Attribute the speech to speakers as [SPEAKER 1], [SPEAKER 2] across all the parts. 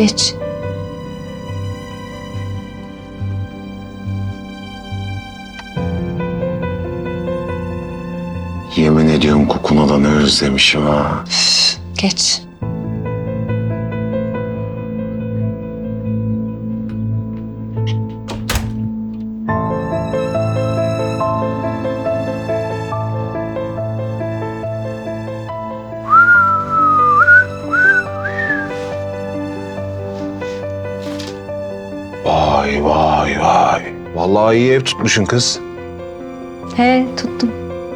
[SPEAKER 1] Geç.
[SPEAKER 2] Yemin ediyorum kokun olanı özlemişim ha.
[SPEAKER 1] Geç.
[SPEAKER 2] Vay vay vay. Vallahi iyi ev tutmuşsun kız.
[SPEAKER 1] He, tuttum.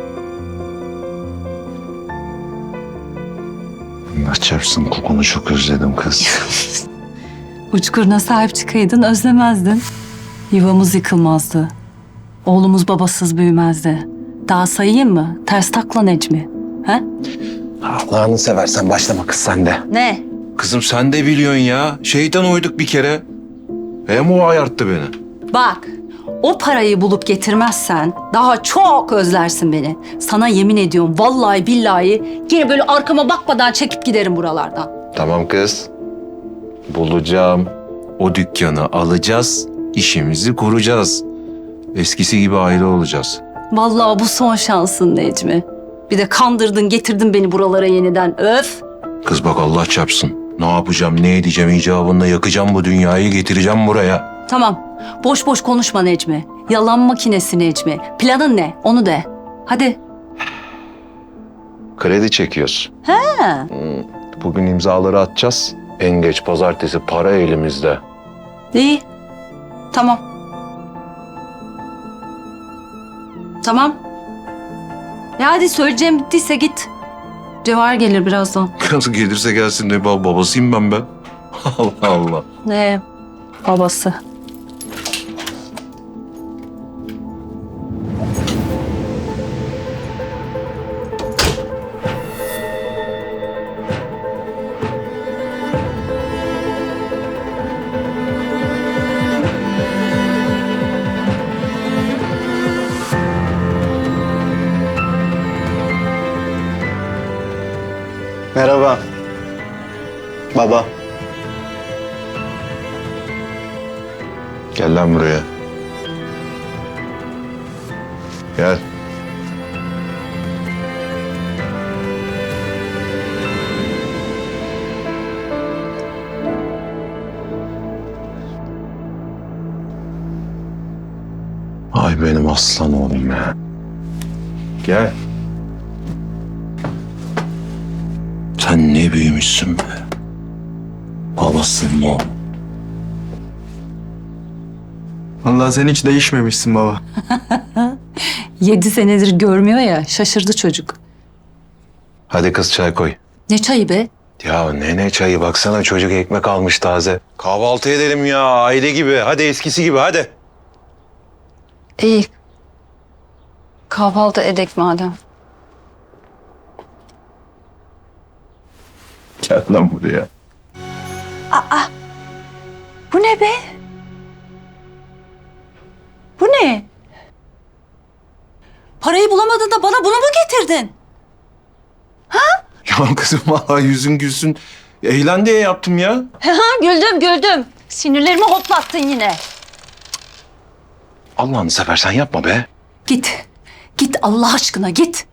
[SPEAKER 2] Allah çarpsın kokunu çok özledim kız.
[SPEAKER 1] Uçkuruna sahip çıkaydın, özlemezdin. Yuvamız yıkılmazdı. Oğlumuz babasız büyümezdi. Daha sayayım mı? Ters takla Necmi. He?
[SPEAKER 2] Allah'ını seversen başlama kız sen de.
[SPEAKER 1] Ne?
[SPEAKER 2] Kızım sen de biliyorsun ya. Şeytan uyduk bir kere. Hem o ayarttı beni.
[SPEAKER 1] Bak, o parayı bulup getirmezsen daha çok özlersin beni. Sana yemin ediyorum vallahi billahi yine böyle arkama bakmadan çekip giderim buralardan.
[SPEAKER 2] Tamam kız. Bulacağım. O dükkanı alacağız. İşimizi kuracağız. Eskisi gibi aile olacağız.
[SPEAKER 1] Vallahi bu son şansın Necmi. Bir de kandırdın getirdin beni buralara yeniden. Öf!
[SPEAKER 2] Kız bak Allah çarpsın. Ne yapacağım, ne edeceğim icabında yakacağım bu dünyayı, getireceğim buraya.
[SPEAKER 1] Tamam, boş boş konuşma Necmi. Yalan makinesi Necmi. Planın ne? Onu de. Hadi.
[SPEAKER 2] Kredi çekiyoruz.
[SPEAKER 1] He.
[SPEAKER 2] Bugün imzaları atacağız. En geç pazartesi para elimizde.
[SPEAKER 1] İyi. Tamam. Tamam. Ya hadi söyleyeceğim bittiyse git. Cevher gelir birazdan.
[SPEAKER 2] Nasıl gelirse gelsin de babasıyım ben be. Allah Allah.
[SPEAKER 1] Ne? Babası.
[SPEAKER 3] Merhaba. Baba.
[SPEAKER 2] Gel lan buraya. Gel. Ay benim aslan oğlum ya. Gel. Sen ne büyümüşsün be. Babasın o.
[SPEAKER 3] Vallahi sen hiç değişmemişsin baba.
[SPEAKER 1] 7 senedir görmüyor ya, şaşırdı çocuk.
[SPEAKER 2] Hadi kız çay koy.
[SPEAKER 1] Ne çayı be?
[SPEAKER 2] Ya ne çayı baksana çocuk ekmek almış taze. Kahvaltı edelim ya aile gibi. Hadi eskisi gibi hadi.
[SPEAKER 1] İyi. Kahvaltı edek madem.
[SPEAKER 2] Gel lan buraya.
[SPEAKER 1] Bu ne be? Bu ne? Parayı bulamadın da bana bunu mu getirdin?
[SPEAKER 2] Ya kızım vallahi yüzün gülsün. Eğlen diye yaptım ya.
[SPEAKER 1] Güldüm. Sinirlerimi hoplattın yine.
[SPEAKER 2] Allah'ını seversen yapma be.
[SPEAKER 1] Git. Git Allah aşkına git.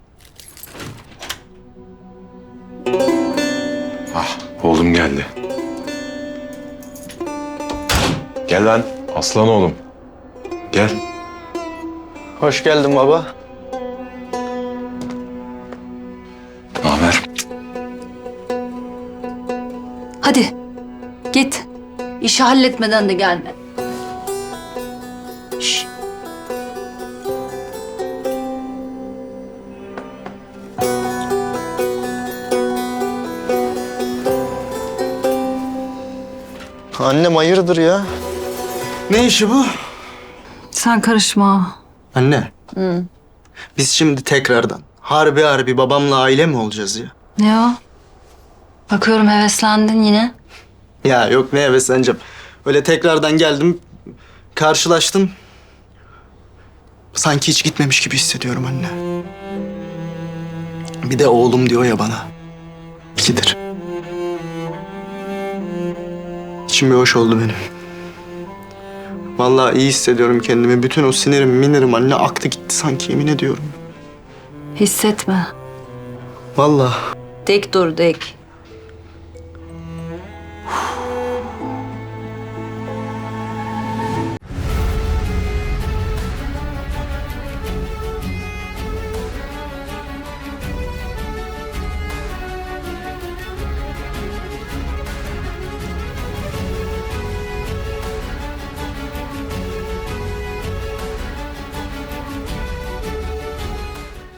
[SPEAKER 2] Ah oğlum geldi. Gel lan aslan oğlum. Gel.
[SPEAKER 3] Hoş geldin baba.
[SPEAKER 2] Ne haber?
[SPEAKER 1] Hadi. Git. İşi halletmeden de gelme.
[SPEAKER 2] Şş.
[SPEAKER 3] Annem hayırdır ya? Ne işi bu?
[SPEAKER 1] Sen karışma.
[SPEAKER 3] Anne. Biz şimdi tekrardan harbi babamla aile mi olacağız ya?
[SPEAKER 1] Ne o? Bakıyorum heveslendin yine.
[SPEAKER 3] Ya yok ne hevesleneceğim. Öyle tekrardan geldim, karşılaştım. Sanki hiç gitmemiş gibi hissediyorum anne. Bir de oğlum diyor ya bana. İkidir. içim bir hoş oldu benim. Vallahi iyi hissediyorum kendimi. Bütün o sinirim, minirim anne aktı gitti sanki, yemin ediyorum.
[SPEAKER 1] Hissetme.
[SPEAKER 3] Vallahi.
[SPEAKER 1] Dik dur dik.